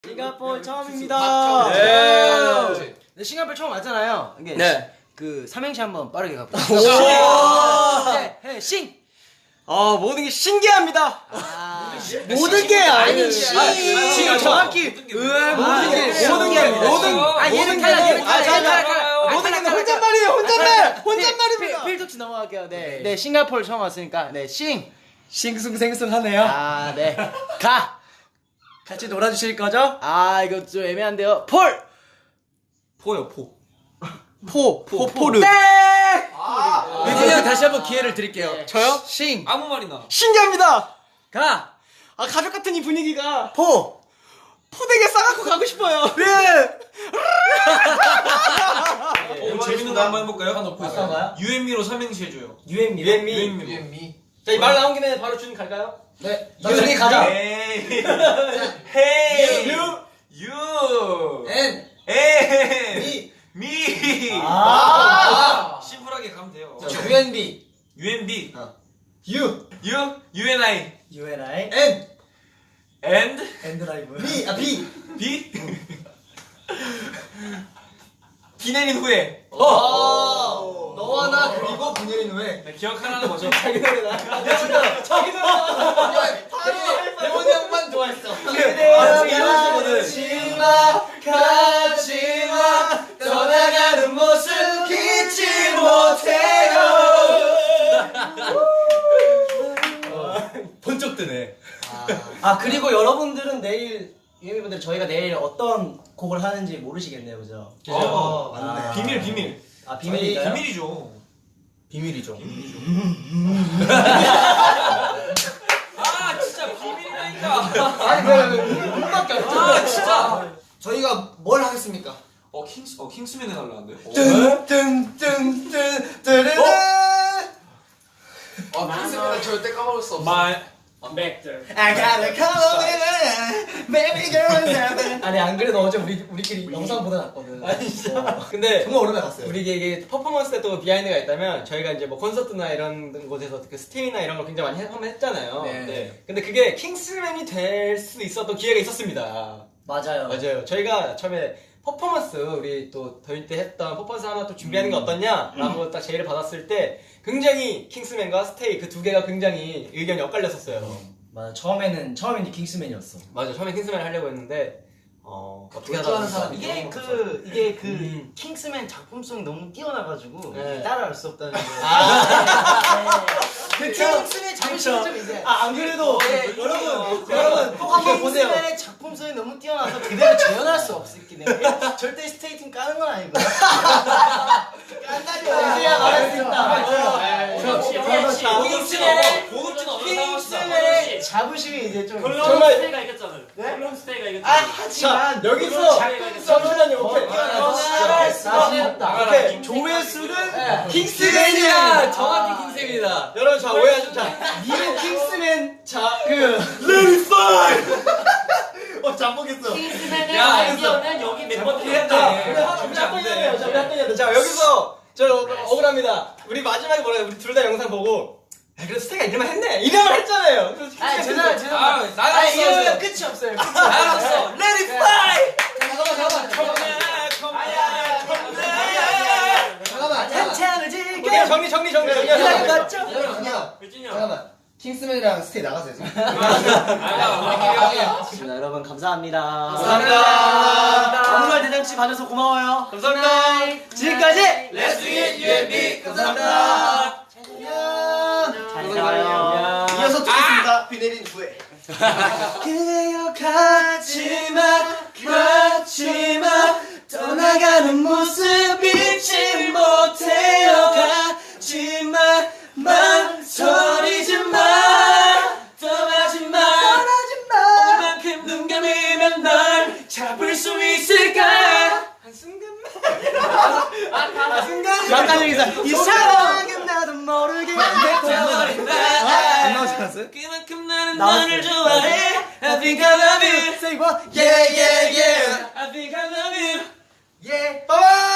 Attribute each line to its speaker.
Speaker 1: 싱가포르 처음입니다.
Speaker 2: 네.
Speaker 1: 네, 싱가포르 처음 왔잖아요. 이게
Speaker 2: 네.
Speaker 1: 그 삼행시 한번 빠르게 가볼게요. 싱.
Speaker 2: 모든 게 신기합니다.
Speaker 1: 모든 게 아닌 싱.
Speaker 2: 정확히
Speaker 1: 모든 게 혼잣말입니다. 필토치 넘어갈게요. 네, 싱가포르 처음 왔으니까 싱.
Speaker 2: 싱숭생숭하네요.
Speaker 1: 네. 가.
Speaker 2: 같이 놀아주실 거죠?
Speaker 1: 이거 좀 애매한데요. 폴.
Speaker 2: 포요 포.
Speaker 1: 포르.
Speaker 2: 네. 그냥 다시 한번 기회를 드릴게요.
Speaker 1: 네.
Speaker 2: 저요?
Speaker 1: 싱.
Speaker 3: 아무 말이나.
Speaker 2: 신기합니다.
Speaker 1: 가.
Speaker 2: 가족 같은 이 분위기가
Speaker 1: 포대게 싸갖고 가고 싶어요.
Speaker 2: 네.
Speaker 3: 재밌는 거 한번 해볼까요? 하나 놓고
Speaker 1: 어떤 거요?
Speaker 3: UM미로 삼행시 해줘요.
Speaker 2: 유엔미. 자, 이 말 나온 김에 바로 준 갈까요?
Speaker 1: 네. 나중에 가자.
Speaker 3: 헤이. 유.
Speaker 1: 미.
Speaker 3: 미.
Speaker 1: 아.
Speaker 3: 심플하게 가면 돼요.
Speaker 1: UNB.
Speaker 3: UMB. UNI.
Speaker 1: UNI.
Speaker 3: And.
Speaker 1: 엔드라이브.
Speaker 3: B. 비 내린 후에.
Speaker 1: 너와 나 그리고 비 내린 후에.
Speaker 3: 네, 기억하라는 거죠.
Speaker 1: 자기 노래. 대원이 형만 좋아했어. 가지마 떠나가는 모습 잊지 못해요.
Speaker 2: 번쩍 뜨네.
Speaker 1: 그리고 여러분들은 내일 유미분들 저희가 내일 어떤 곡을 하는지 모르시겠네요, 그죠?
Speaker 3: 맞네. 비밀.
Speaker 1: 비밀인가요?
Speaker 3: 비밀이죠.
Speaker 2: 비밀이죠.
Speaker 3: 진짜 비밀이라니까.
Speaker 1: 아니 눈밖에 안
Speaker 3: 진짜.
Speaker 1: 저희가 뭘 하겠습니까?
Speaker 3: 킹스맨 해달라는데.
Speaker 1: 킹스맨은 절대 까먹을 수
Speaker 3: Back
Speaker 1: I gotta come over, baby girl. 아니 안 그래도 어제 우리끼리 영상 보다 났거든.
Speaker 4: 진짜. 근데
Speaker 1: 정말 오랜만에 갔어요.
Speaker 4: 우리 이게 퍼포먼스 때 또 비하인드가 있다면 저희가 이제 뭐 콘서트나 이런 곳에서 그 스테이나 이런 걸 굉장히 많이 한번 했잖아요.
Speaker 1: 네.
Speaker 4: 근데 그게 킹스맨이 될 수 있었던 기회가 있었습니다.
Speaker 1: 맞아요.
Speaker 4: 저희가 처음에 퍼포먼스 우리 또 더위 때 했던 퍼포먼스 하나 또 준비하는 게 어떠냐라고 딱 제의를 받았을 때 굉장히 킹스맨과 스테이 그 두 개가 굉장히 의견이 엇갈렸었어요.
Speaker 1: 맞아. 처음에는 이제 킹스맨이었어.
Speaker 4: 맞아. 처음에 킹스맨을 하려고 했는데 어떻게
Speaker 1: 결정하는
Speaker 4: 하다가
Speaker 1: 사람이
Speaker 5: 이게 그 킹스맨 작품성이 너무 뛰어나가지고
Speaker 4: 네.
Speaker 5: 따라할 수 없다는 거.
Speaker 1: 그 킹스맨 자부심이 좀 이제.
Speaker 4: 안 그래도
Speaker 1: 여러분 꼭 한번 보세요.
Speaker 5: 킹스맨의 작품성이 너무 뛰어나서 그대로 재현할 수 없기 때문에 절대 스테이팅 까는 건 아니고.
Speaker 1: 이제야 말할 수 있다.
Speaker 5: 킹스맨의 자부심이 이제 좀
Speaker 4: 정말
Speaker 6: 스테이가 이겼잖아요. 콜롬 스테이가 이겼잖아요.
Speaker 5: 하지만
Speaker 4: 여기서 잠시만요. 오케이. 오케이.
Speaker 1: 조회수는
Speaker 4: 킹스맨이야. 정확히 킹스맨이다. 여러분 자 오해하지 자.
Speaker 1: 니는 킹스맨
Speaker 5: 잠보겠어.
Speaker 6: 킹스맨의
Speaker 3: 야,
Speaker 6: 아이디어는 여기 멤버들이 했다.
Speaker 4: 자 여기서 저 억울합니다. 우리 마지막에 뭐라 우리 둘 다 영상 보고 그래도 스테이가 이럴만 했네. 이래만 했잖아요.
Speaker 3: 죄송합니다.
Speaker 5: 이러면 끝이 없어요.
Speaker 3: 알았어. Let it fly.
Speaker 1: 잠깐만.
Speaker 5: 태양을 즐겨.
Speaker 4: 오케이, 정리.
Speaker 6: 유진이 형.
Speaker 1: 잠깐만. 킹스맨이랑 스테이 나가세요 지금. 여러분 감사합니다.
Speaker 4: 감사합니다.
Speaker 1: 아무말 대잔치 봐줘서 고마워요.
Speaker 4: 감사합니다.
Speaker 1: 지금까지
Speaker 3: Let's do it, UMB.
Speaker 1: 감사합니다. 잘 가요.
Speaker 5: 이어서 듣겠습니다. 비 내린 후에.
Speaker 1: 그래요 가지마 떠나가는 모습 잊지 못해요 가지마 망설이지마 떠나지마 오만큼 눈 감으면 널 잡을 수 있을까 약간 여기서 이 사랑은 나도 모르게 돼버린다 안 나오지 않았어요?
Speaker 3: 그만큼 나는
Speaker 1: 나왔어요.
Speaker 3: 너를 좋아해. I think I love you.
Speaker 1: Say what? Yeah yeah yeah
Speaker 3: I think I love you.
Speaker 1: yeah. Bye bye.